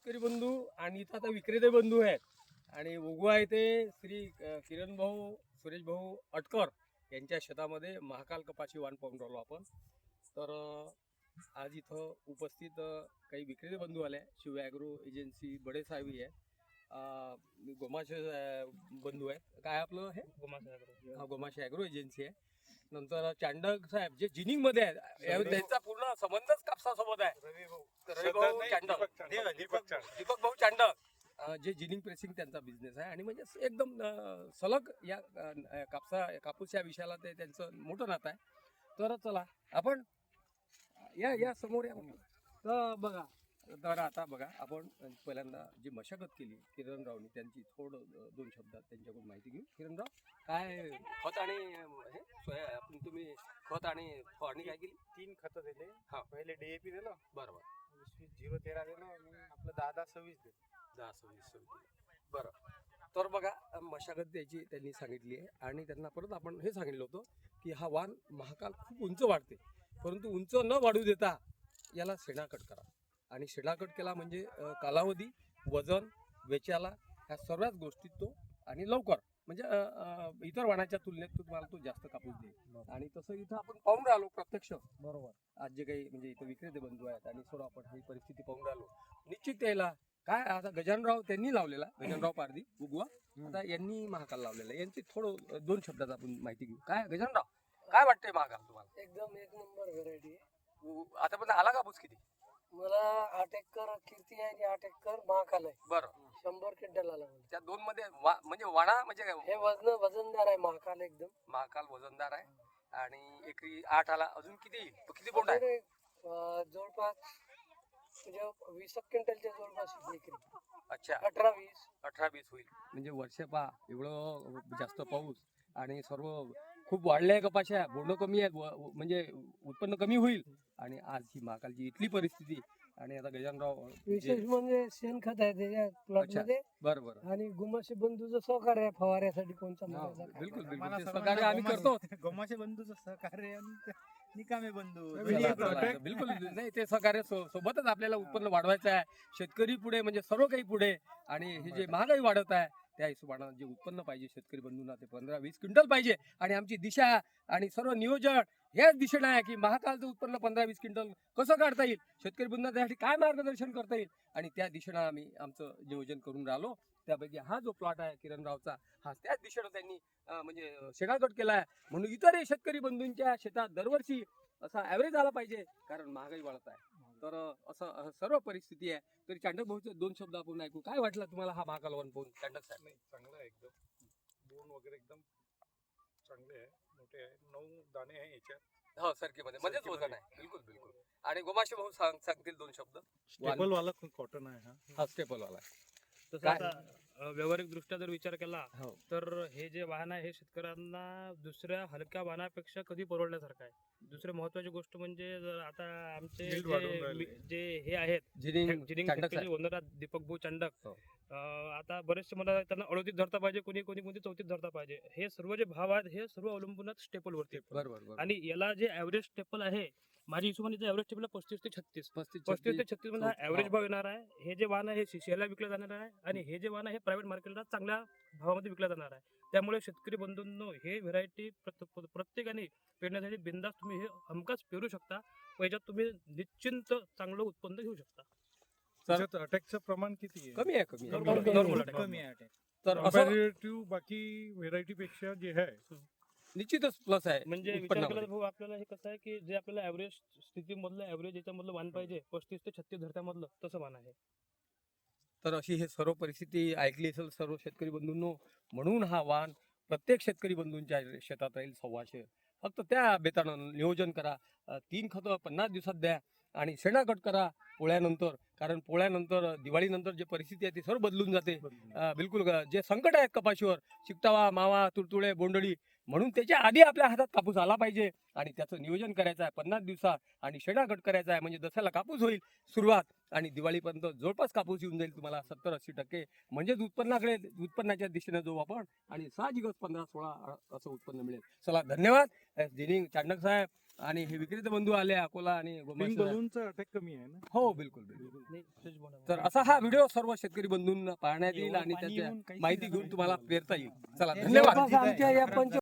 शेतकरी बंधू आणि इथं आता विक्रेते बंधू आहेत आणि उगवा आहे ते श्री किरण भाऊ सुरेश भाऊ अटकर यांच्या शेतामध्ये महाकाल कपाशी वाण पाहून राहिलो आपण. तर आज इथं उपस्थित काही विक्रेते बंधू आले. शिव ॲग्रो एजन्सी बडे साहेबी आहे, गोमाशे बंधू आहेत. काय आपलं हे गोमाशे ॲग्रो एजन्सी आहे. नंतर चांडक साहेब जे जिनिंग मध्ये आहेत, त्यांचा पूर्ण संबंधच कापसासोबत आहे. दीपक भाऊ चांडक जे जिनिंग प्रेसिंग त्यांचा बिझनेस आहे आणि म्हणजे एकदम सलग या कापूस या विषयाला ते त्यांचं मोठं नातं आहे. तर चला आपण या समोर या. तर बघा, तर आता बघा आपण पहिल्यांदा जी मशागत केली किरणरावनी त्यांची थोडं दोन शब्दात त्यांच्याकडून माहिती घेऊ. किरणराव, काय खत आणि हे आपण तुम्ही खत आणि फवारणी काय केली? 3 खत दिले. हा, पहिले DAP दिलं, बरोबर. 20-0-13 दिलं आणि आपलं 10-10-26 दिलं. 10-26 बरं. तर बघा, मशागत द्यायची त्यांनी सांगितली आहे आणि त्यांना परत आपण हे सांगितलं होतं की हा वाण महाकाल खूप उंच वाढते, परंतु उंच न वाढू देता याला शेणाकट करा. आणि शेणाकट केला म्हणजे कालावधी, वजन, वेचाला ह्या सर्वच गोष्टीत तो आणि लवकर म्हणजे इतर वाणाच्या तुलनेत तुम्हाला तो जास्त कापूस देईल. आणि तसं इथं आपण पाहून राहिलो प्रत्यक्ष, बरोबर. आज जे काही म्हणजे इथं विक्रेते बंधू आहेत आणि सर्व आपण ही परिस्थिती पाहून राहिलो. निश्चित यायला काय आता गजानराव त्यांनी लावलेला, गजानराव पारधी उगवा, आता यांनी महाकाल लावलेला. यांची थोडं दोन शब्दात आपण माहिती घेऊ. काय गजानराव, काय वाटतंय महाकाल तुम्हाला? एकदम एक नंबर व्हरायटी आहे. आतापर्यंत आला कापूस किती? मला 8 एकर कीर्ती आहे आणि 8 एकर महाकाल आहे. बरं. 100 क्विंटल आला मला. त्या दोन मध्ये म्हणजे वाणा म्हणजे हे वजनदार आहे महाकाल एकदम. महाकाल वजनदार आहे आणि एकरी 8 आला. अजून किती किती बोंड आहे? जवळपास म्हणजे 20 क्विंटलच्या जवळपास एकरी. अच्छा, 18-20 होईल. म्हणजे वर्ष पहा एवढं जास्त पाऊस आणि सर्व खूप वाढल्या कपाशा, बोंड कमी आहेत, म्हणजे उत्पन्न कमी होईल. आणि आज ही महाकालची इथली परिस्थिती. आणि आता गजानराव विशेष म्हणजे शेणखत आहे त्याच्या प्लॉट मध्ये. बरोबर. आणि गुमाशे बंधूचं सहकार्य आहे फवाऱ्यासाठी कोणता बिलकुल बिलकुल सहकार्य आम्ही करतो. गोमाशे बंधूचं सहकार्य आणि निकामे बंधू बिलकुल नाही, ते सहकार्य सोबतच आपल्याला उत्पन्न वाढवायचं आहे. शेतकरी पुढे म्हणजे सर्व काही पुढे. आणि हे जे महागाई वाढत आहे त्या हिशोबानं जे उत्पन्न पाहिजे शेतकरी बंधूंना ते 15-20 क्विंटल पाहिजे. आणि आमची दिशा आणि सर्व नियोजन याच दिशेनं आहे की महाकालचं उत्पन्न 15-20 क्विंटल कसं काढता येईल, शेतकरी बंधूंना त्यासाठी काय मार्गदर्शन करता येईल, आणि त्या दिशेनं आम्ही आमचं नियोजन करून राहिलो. त्यापैकी हा जो प्लॉट आहे किरणरावचा, हा त्याच दिशेनं त्यांनी म्हणजे शेणाकट केला आहे. म्हणून इतरही शेतकरी बंधूंच्या शेतात दरवर्षी असा ॲव्हरेज आला पाहिजे, कारण महागाई वाढत आहे. तर असं सर्व परिस्थिती आहे. तरी चांडक भाऊचे दोन शब्द आपण ऐकू. काय वाटलं तुम्हाला हा महाकाल वन पाहून चांडक साहेब? नाही, चांगला आहे एकदम. बोंड वगैरे एकदम चांगले आहे, मोठे आहे. 9 दाणे आहे याच्यात. हो, सरकीमध्ये मध्येच वजन आहे. बिलकुल बिलकुल. आणि गोमाशे भाऊ सांगतील दोन शब्द. स्टेपल वाला कॉटन आहे हा स्टेपल वाला. तसं आता व्यावहारिक दृष्ट्या जर विचार केला हो. तर हे जे वाहन आहे हे शेतकऱ्यांना दुसऱ्या हलक्या वाहनापेक्षा कधी परवडण्यासारखं आहे. दुसरी महत्वाची गोष्ट म्हणजे जर आता आमचे Yield वाढवून राहिले. जे हे आहेत जिनिंग फॅक्टरी ओनर दीपक भाऊ चांडक, हो. आता बरेचसे मला त्यांना 38 धरता पाहिजे, कोणी 34 धरता पाहिजे. हे सर्व जे भाव आहेत हे सर्व अवलंबून स्टेपल वरती. बरोबर. आणि याला जे ऍव्हरेज स्टेपल आहे, माझ्या हिशोबाने ऍव्हरेज स्टेपल 35 ते 36 35 ते 36 मध्ये ऍव्हरेज भाव येणार आहे. हे जे वाहन आहे हे सीसीआयला विकलं जाणार आहे आणि हे जे वाहन आहे हे प्रायव्हेट मार्केटला चांगल्या भावामध्ये विकलं जाणार आहे. त्यामुळे शेतकरी बंधूंनो, हे व्हेरायटी प्रत्येकाने पेरण्यासाठी बिंदास तुम्ही हे हमखास पेरू शकता. याच्यात तुम्ही निश्चिंत चांगलं उत्पन्न घेऊ शकता. त्याच्यात अटॅकचं प्रमाण किती आहे? कमी आहे. Normal attack. कमी आहे अटॅक. तर असं कंपॅरेटिव्ह बाकी व्हेरायटी पेक्षा जे आहे निश्चितच प्लस आहे म्हणजे विचार उत्पन्नामध्ये. केला तर भाऊ आपल्याला हे कसं आहे की जे आपल्याला ऍव्हरेज स्थितीमधलं ऍव्हरेज याच्यामधलं वाहन पाहिजे 35 ते 36 धरत्यामधलं तसं वाहन आहे. तर अशी हे सर्व परिस्थिती ऐकली असेल सर्व शेतकरी बंधूंनो. म्हणून हा वाण प्रत्येक शेतकरी बंधूंच्या शेतात राहील 125. फक्त त्या बेतानं नियोजन करा. 3 खतं 50 दिवसात द्या आणि शेणाकट करा पोळ्यानंतर. कारण पोळ्यानंतर दिवाळीनंतर जे परिस्थिती आहे ती सर्व बदलून जाते. बिलकुल जे संकट आहेत कपाशीवर, चिकटावा, मावा, तुडतुडे, बोंडळी म्हणून त्याच्या आधी आपल्या हातात कापूस आला पाहिजे आणि त्याचं नियोजन करायचं आहे 50 दिवसात आणि शेणा कट करायचा आहे म्हणजे दसऱ्याला कापूस होईल सुरुवात आणि दिवाळीपर्यंत जवळपास कापूस येऊन जाईल तुम्हाला 70-80%. म्हणजेच उत्पन्नाच्या दिशेने जाऊ आपण आणि साहजिकच 15-16 असं उत्पन्न मिळेल. चला धन्यवाद जिनिंग चांडक साहेब आणि हे विक्रेते बंधू आले अकोला आणि गोमांस साहेब. बलूनचा अटॅक कमी आहे ना. हो बिलकुल तर असा हा व्हिडिओ सर्व शेतकरी बंधूंना पाहण्यात येईल आणि त्याच्या माहिती घेऊन तुम्हाला प्रेरता येईल. चला धन्यवाद. जवळपास आमच्या या